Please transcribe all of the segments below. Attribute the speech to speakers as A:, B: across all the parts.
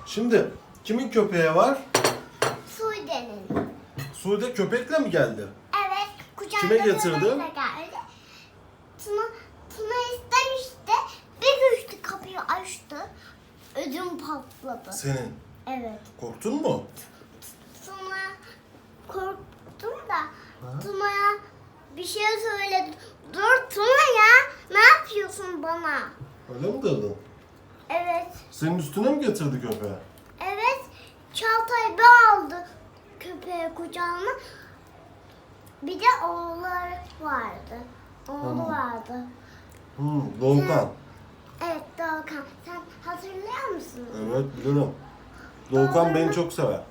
A: Şimdi kimin köpeği var?
B: Sude'nin.
A: Sude köpekle mi geldi?
B: Evet. Kucağında
A: Kime getirdi?
B: bebekle geldi. Tuna istemişti. Bir güçlü kapıyı açtı. Ödüm patladı.
A: Senin.
B: Evet.
A: Korktun mu?
B: Sonra korktum da Tuna'ya bir şey söyledim. Dur Tuna ya. Ne yapıyorsun bana?
A: Öyle mi dedin?
B: Evet.
A: Senin üstüne mi getirdi köpeği?
B: Evet. Çağatay bir aldı köpeği kucağına. Bir de oğulları vardı. Oğlu vardı.
A: Doğukan.
B: Evet Doğukan. Sen hatırlıyor musun?
A: Evet bilirim. Doğukan beni çok sever.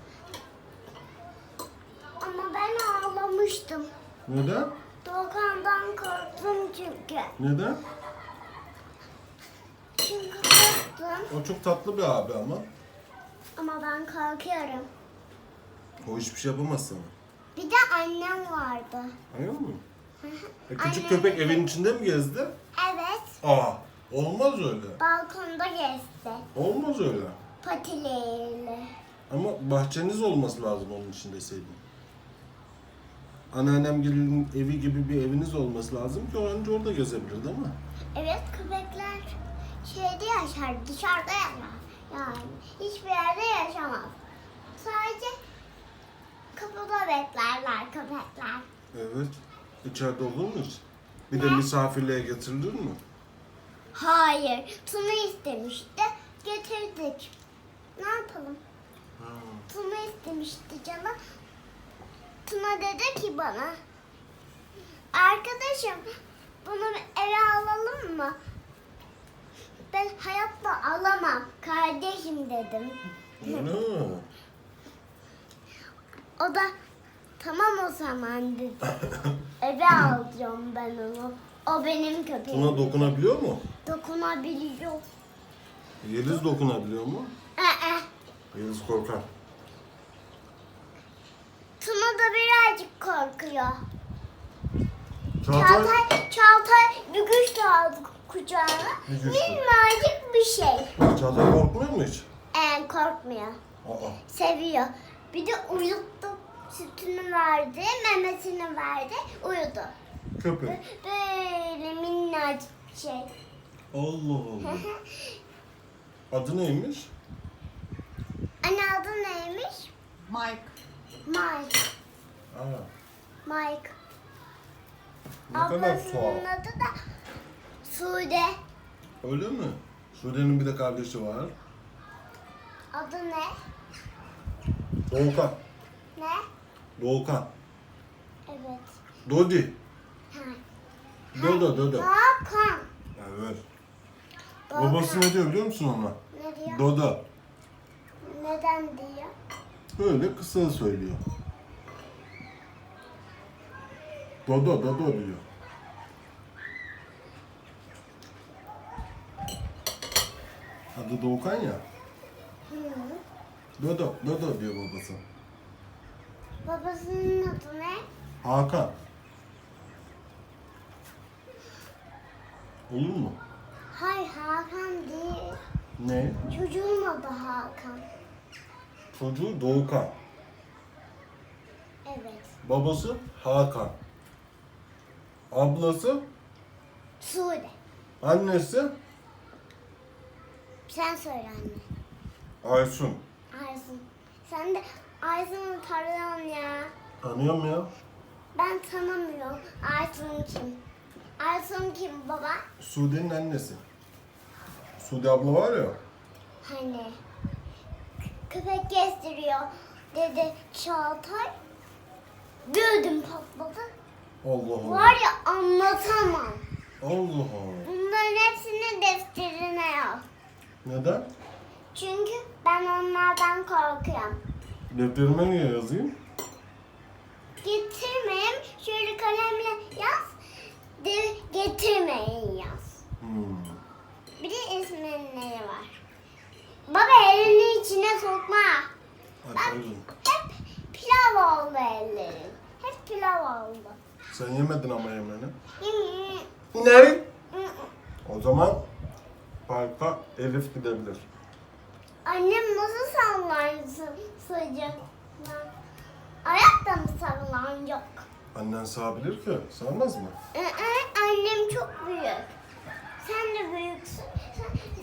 B: Ama ben ağlamıştım.
A: Neden?
B: Doğukan'dan korktum çünkü.
A: Neden?
B: Çünkü korktum.
A: O çok tatlı bir abi ama.
B: Ama ben korkuyorum.
A: O hiçbir şey yapamaz sana.
B: Bir de annem vardı.
A: Anlıyor musun? Küçük
B: Annem-
A: köpek evin içinde mi gezdi?
B: Evet.
A: Aa, olmaz öyle.
B: Balkonda gezdi.
A: Olmaz öyle.
B: Patileriyle.
A: Ama bahçeniz olması lazım onun için deseydin. Anneannemgilin evi gibi bir eviniz olması lazım ki o anca orada gezebilir değil mi?
B: Evet köpekler şeyde yaşar, dışarıda yaşar. Yani hiçbir yerde yaşamaz. Sadece kapıda beklerler köpekler.
A: Evet. İçeride olur mu hiç? Bir de misafirliğe getirilir mi?
B: Hayır, Tuna istemişti, getirdik. Ne yapalım? Tuna istemişti canım. Tuna dedi ki bana, arkadaşım bunu eve alalım mı? Ben hayatta alamam kardeşim dedim.
A: Öyle mi?
B: O da tamam o zaman dedi. Eve alacağım ben onu. O benim köpeğim.
A: Buna dokunabiliyor mu?
B: Dokunabiliyor.
A: Yeliz dokunabiliyor mu? Yeliz korkar.
B: Tuna da birazcık korkuyor.
A: Çağatay,
B: Çağatay bir güç aldı kucağına.
A: Bir güç mü?
B: Minnacık bir şey.
A: Çağatay korkmuyor mu hiç?
B: Korkmuyor.
A: Aa,
B: Seviyor. Bir de uyuttu. Sütünü verdi, memesini verdi, uyudu.
A: köpek.
B: Böyle minnacık bir şey.
A: Allah Allah. Adı neymiş?
B: Anne adı neymiş?
C: Mike.
B: Mike.
A: Aa,
B: Mike.
A: ne kadar
B: Ablasının
A: tuhaf.
B: adı da Sude.
A: Öyle mi? Sude'nin bir de kardeşi var.
B: Adı ne?
A: Doğukan.
B: Ne?
A: Doğukan.
B: Evet.
A: Dodi.
B: Ha.
A: Dodo.
B: Hakan.
A: Evet.
B: Doğukan.
A: Babası ne diyor biliyor musun ona?
B: Ne diyor?
A: Dodo.
B: Neden diyor?
A: Böyle kısa söylüyor. Dodo diyor. Adı Doğukan ya.
B: Hı.
A: Dodo diyor babası.
B: Babasının adı ne?
A: Hakan. Olur mu?
B: Hayır Hakan değil.
A: Ne?
B: Çocuğun adı Hakan.
A: Çocuğu Doğukan.
B: Evet.
A: Babası Hakan. Ablası,
B: Sude.
A: annesi
B: Sen söyle anne.
A: Aysun.
B: Aysun. Sen de Aysun'u tanıyorsun ya.
A: Tanıyorum ya.
B: Ben tanımıyorum. Aysun kim? Aysun kim baba?
A: Sude'nin annesi. Sude abla var ya.
B: Hani köpek gezdiriyor dedi Çağatay. Bir ödüm patladı.
A: Allah Allah.
B: Var ya anlatamam.
A: Allah Allah.
B: Bunların hepsini defterine yaz.
A: Neden?
B: Çünkü ben onlardan korkuyorum.
A: Defterime niye yazayım?
B: Getirmeyin. Şöyle kalemle yaz. Getirmeyin yaz. Bir de isimleri var. Baba elini içine sokma.
A: Hadi oğlum.
B: Hep pilav oldu ellerin. Hep pilav oldu.
A: Sen yemedin ama yemeğini.
B: Hmm.
A: Ne? O zaman parka Elif gidebilir.
B: Annem nasıl sallansın sıcaklar? Ayakta mı sallanacak?
A: Annen sağabilir ki. Sağmaz mı?
B: Annem çok büyük. Sen de büyüksün.